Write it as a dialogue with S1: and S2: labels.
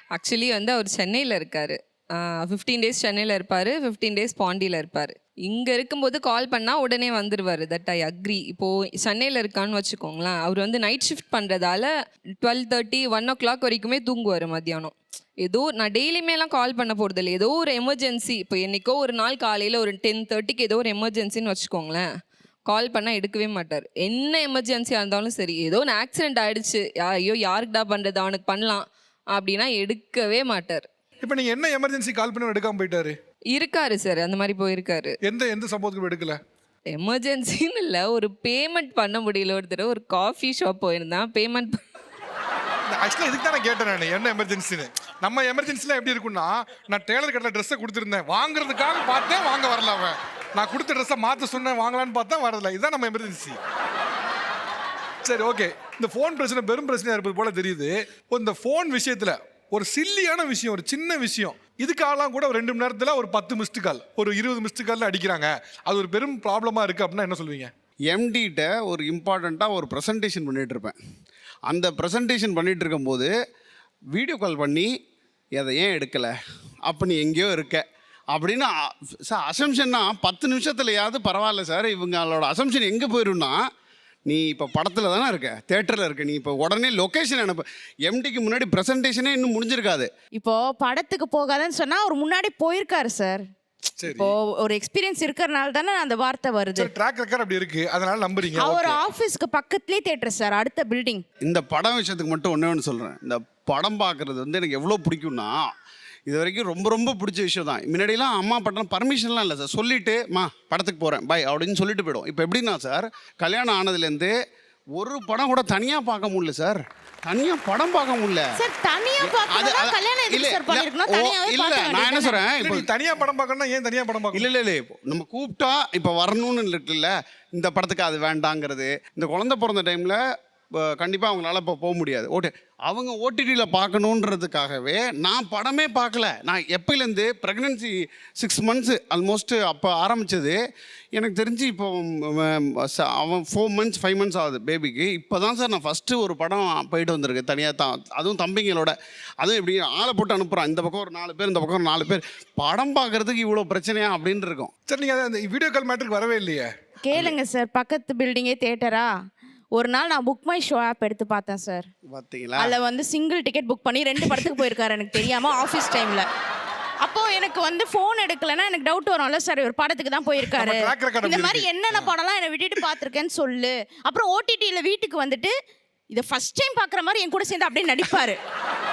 S1: Actually வந்து அவர் சென்னையில் இருக்கார். 15 டேஸ் சென்னையில் இருப்பார், 15 டேஸ் பாண்டியில் இருப்பார். இங்கே இருக்கும்போது கால் பண்ணால் உடனே வந்துடுவார். That I agree. இப்போது சென்னையில் இருக்கான்னு வச்சுக்கோங்களேன், அவர் வந்து நைட் ஷிஃப்ட் பண்ணுறதால 12:30 1 o'clock வரைக்குமே தூங்குவார் மத்தியானம். ஏதோ நான் டெய்லியுமேலாம் கால் பண்ண போகிறது இல்லை, ஏதோ ஒரு எமர்ஜென்சி. இப்போ என்றைக்கோ ஒரு நாள் காலையில் ஒரு 10:30க்கு ஏதோ ஒரு எமர்ஜென்சின்னு வச்சுக்கோங்களேன், கால் பண்ணால் எடுக்கவே மாட்டார். என்ன எமர்ஜென்சியாக இருந்தாலும் சரி, ஏதோ ஒரு ஆக்சிடென்ட் ஆகிடுச்சு, ஐயோ யாருக்குடா பண்ணுறது, அவனுக்கு பண்ணலாம் அப்படின்னா எடுக்கவே மாட்டார்.
S2: இப்போ நீங்கள் என்ன எமர்ஜென்சி கால் பண்ணி எடுக்காமல் போயிட்டாரு?
S1: இருக்காரு சார், அந்த மாதிரி போயிருக்காரு.
S2: எந்த சம்பவத்துக்கு எடுக்கல?
S1: எமர்ஜென்சின்னு இல்லை, ஒரு பேமெண்ட் பண்ண முடியல. ஒரு தடவை ஒரு காஃபி ஷாப் போயிருந்தான், பேமெண்ட்
S2: ஆக்சுவலாக இதுக்கு தான் நான் கேட்டேன், நான் என்ன எமர்ஜென்சின்னு. நம்ம எமர்ஜென்சிலாம் எப்படி இருக்குன்னா, நான் டெய்லர் கடையில் ட்ரெஸ்ஸை கொடுத்துருந்தேன், வாங்குறதுக்காக பார்த்தேன், வாங்க வரல அவன். நான் கொடுத்த ட்ரெஸ்ஸை மாற்ற சொன்னேன், வாங்கலான்னு பார்த்தா வரல. இதுதான் நம்ம எமர்ஜென்சி. சரி, ஓகே. இந்த ஃபோன் பிரச்சனை பெரும் பிரச்சனையாக இருப்பது போல தெரியுது. இந்த ஃபோன் விஷயத்தில் ஒரு சில்லியான விஷயம், ஒரு சின்ன விஷயம், இதுக்காகலாம் கூட ஒரு 2 மணி நேரத்தில் ஒரு 10 மிஸ்டு கால், ஒரு 20 மிஸ்டு காலில் அடிக்கிறாங்க. அது ஒரு பெரும் ப்ராப்ளமாக இருக்குது அப்படின்னா என்ன சொல்லுவீங்க?
S3: எம்டிகிட்ட ஒரு இம்பார்ட்டண்ட்டாக ஒரு ப்ரெசன்டேஷன் பண்ணிகிட்டு இருப்பேன். அந்த ப்ரெசன்டேஷன் பண்ணிகிட்டு இருக்கும்போது வீடியோ கால் பண்ணி அதை ஏன் எடுக்கலை, அப்போ நீ எங்கேயோ இருக்க அப்படின்னு சார் அசம்ஷன்னா 10 நிமிஷத்துலையாவது பரவாயில்ல சார். இவங்களோட அசம்ஷன் எங்கே போயிடும்னா, நீ இப்போ படத்தில் தானே இருக்க, தேட்டரில் இருக்க, நீ இப்போ உடனே லொக்கேஷன் அனுப்பு. எம்டிக்கு முன்னாடி ப்ரெசன்டேஷனே இன்னும் முடிஞ்சிருக்காது.
S4: இப்போ படத்துக்கு போகாதன்னு சொன்னா அவர் முன்னாடி போயிருக்காரு சார். இப்போ ஒரு எக்ஸ்பீரியன்ஸ் இருக்கறனால தானே அந்த வார்த்தை வருது.
S2: ட்ராக் ரெக்கார்ட் அப்படி இருக்கு, அதனால நம்புறீங்க.
S4: அவர் ஆபீஸ்க்கு பக்கத்துலயே தியேட்டர் சார், அடுத்த பில்டிங்.
S3: இந்த படம் விஷயத்துக்கு மட்டும் ஒன்று சொல்கிறேன். இந்த படம் பார்க்குறது வந்து எனக்கு எவ்வளோ பிடிக்கும்னா, இது வரைக்கும் ரொம்ப ரொம்ப பிடிச்ச விஷயம் தான். முன்னாடிலாம் அம்மா பட்டம் பர்மிஷன்லாம் இல்லை சார், சொல்லிவிட்டு படத்துக்கு போகிறேன் பாய் அப்படின்னு சொல்லிட்டு போய்டும். இப்போ எப்படின்னா சார், கல்யாணம் ஆனதுலேருந்து ஒரு படம் கூட தனியாக பார்க்க முடியல சார். தனியாக படம் பார்க்க முடியல
S4: சார். தனியாக பார்க்கறதா கல்யாணம் எதுக்கு சார் பண்ணிருக்கணும்? தனியாவே
S3: இல்லை, நான் என்ன சொல்கிறேன்,
S2: இப்போ தனியாக படம் பார்க்கணும்னா ஏன் தனியாக படம் பார்க்கணும்?
S3: இல்லை நம்ம கூப்பிட்டா இப்போ வரணும்னு இருக்குல்ல, இந்த படத்துக்கு அது வேண்டாங்கிறது. இந்த குழந்தை பிறந்த டைமில் கண்டிப்பாக அவங்களால இப்போ போக முடியாது. அவங்க ஓடிடியில் பார்க்கணுன்றதுக்காகவே நான் படமே பார்க்கல. நான் எப்போலேருந்து ப்ரெக்னென்சி 6 months ஆல்மோஸ்ட் அப்போ ஆரம்பித்தது. எனக்கு தெரிஞ்சு இப்போ அவன் 4 months 5 months ஆகுது பேபிக்கு. இப்போ தான் சார் நான் ஃபஸ்ட்டு ஒரு படம் போயிட்டு வந்திருக்கேன் தனியாக தான், அதுவும் தம்பிங்களோட. அதுவும் இப்படி ஆளை போட்டு அனுப்புகிறான், இந்த பக்கம் ஒரு 4 பேர், இந்த பக்கம் ஒரு 4 பேர். படம் பார்க்குறதுக்கு இவ்வளோ பிரச்சனையா அப்படின்னு இருக்கும்.
S2: சரி, நீங்கள் அந்த வீடியோ கால் மேட்டருக்கு வரவே இல்லையே?
S4: கேளுங்க சார், பக்கத்து பில்டிங்கே தியேட்டரா. ஒரு நாள் நான் புக் மை ஷோ ஆப் எடுத்து பார்த்தேன் சார்.
S3: பார்த்தீங்களா?
S4: அதில் வந்து சிங்கிள் டிக்கெட் புக் பண்ணி 2 படத்துக்கு போயிருக்காரு எனக்கு தெரியாமல் ஆஃபீஸ் டைமில். அப்போது எனக்கு வந்து ஃபோன் எடுக்கலைன்னா எனக்கு டவுட் வரும்ல சார், ஒரு படத்துக்கு தான் போயிருக்காரு, இந்த மாதிரி என்னென்ன படம்லாம் என்னை விட்டுட்டு பார்த்துருக்கேன்னு சொல்லு. அப்புறம் ஓடிடியில் வீட்டுக்கு வந்துட்டு இதை ஃபர்ஸ்ட் டைம் பார்க்குற மாதிரி என் கூட சேர்ந்து அப்படியே நடிப்பார்.